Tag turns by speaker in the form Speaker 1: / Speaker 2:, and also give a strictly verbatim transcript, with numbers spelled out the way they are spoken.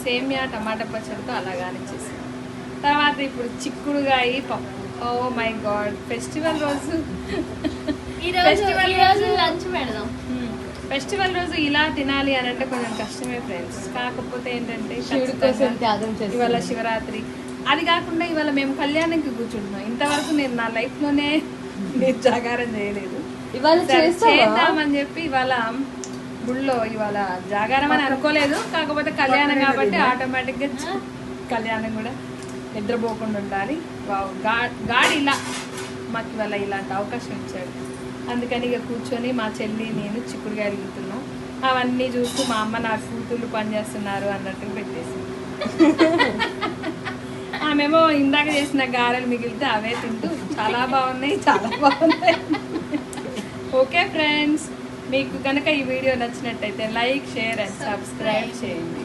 Speaker 1: సేమియా టమాటా పచ్చడితో అలా కానిచ్చేసి తర్వాత ఇప్పుడు చిక్కుడుగాయ పప్పు. ఓ మై గాడ్, ఫెస్టివల్ రోజు
Speaker 2: ఫెస్టివల్ రోజు లంచ్ పెడదాం.
Speaker 1: ఫెస్టివల్ రోజు ఇలా తినాలి అని అంటే కొంచెం కష్టమే ఫ్రెండ్స్. కాకపోతే ఏంటంటే
Speaker 2: శివుడి కోసం త్యాగం చేస్తాం.
Speaker 1: ఇవాళ శివరాత్రి, అది కాకుండా ఇవాళ మేము కళ్యాణంకి కూర్చుంటున్నాం. ఇంతవరకు నేను నా లైఫ్లోనే నేను జాగారం చేయలేదు.
Speaker 2: ఇవాళ
Speaker 1: చేద్దామని చెప్పి ఇవాళ గుళ్ళో ఇవాళ జాగారం అని అనుకోలేదు. కాకపోతే కళ్యాణం కాబట్టి ఆటోమేటిక్గా కళ్యాణం కూడా నిద్రపోకుండా ఉండాలి. గాడి ఇలా మాకు ఇవాళ ఇలాంటి అవకాశం ఇచ్చాడు. అందుకని ఇక కూర్చొని మా చెల్లి నేను చిక్కుడుగాయలు తింటున్నాం. అవన్నీ చూస్తూ మా అమ్మ నా కూతుళ్ళు పనిచేస్తున్నారు అన్నట్టు పెట్టేసి ఆమెమో ఇందాక చేసిన గారెలు మిగిలితే అవే తింటూ చాలా బాగున్నాయి చాలా బాగున్నాయి. ఓకే ఫ్రెండ్స్, మీకు కనుక ఈ వీడియో నచ్చినట్టయితే లైక్, షేర్ అండ్ సబ్స్క్రైబ్ చేయండి.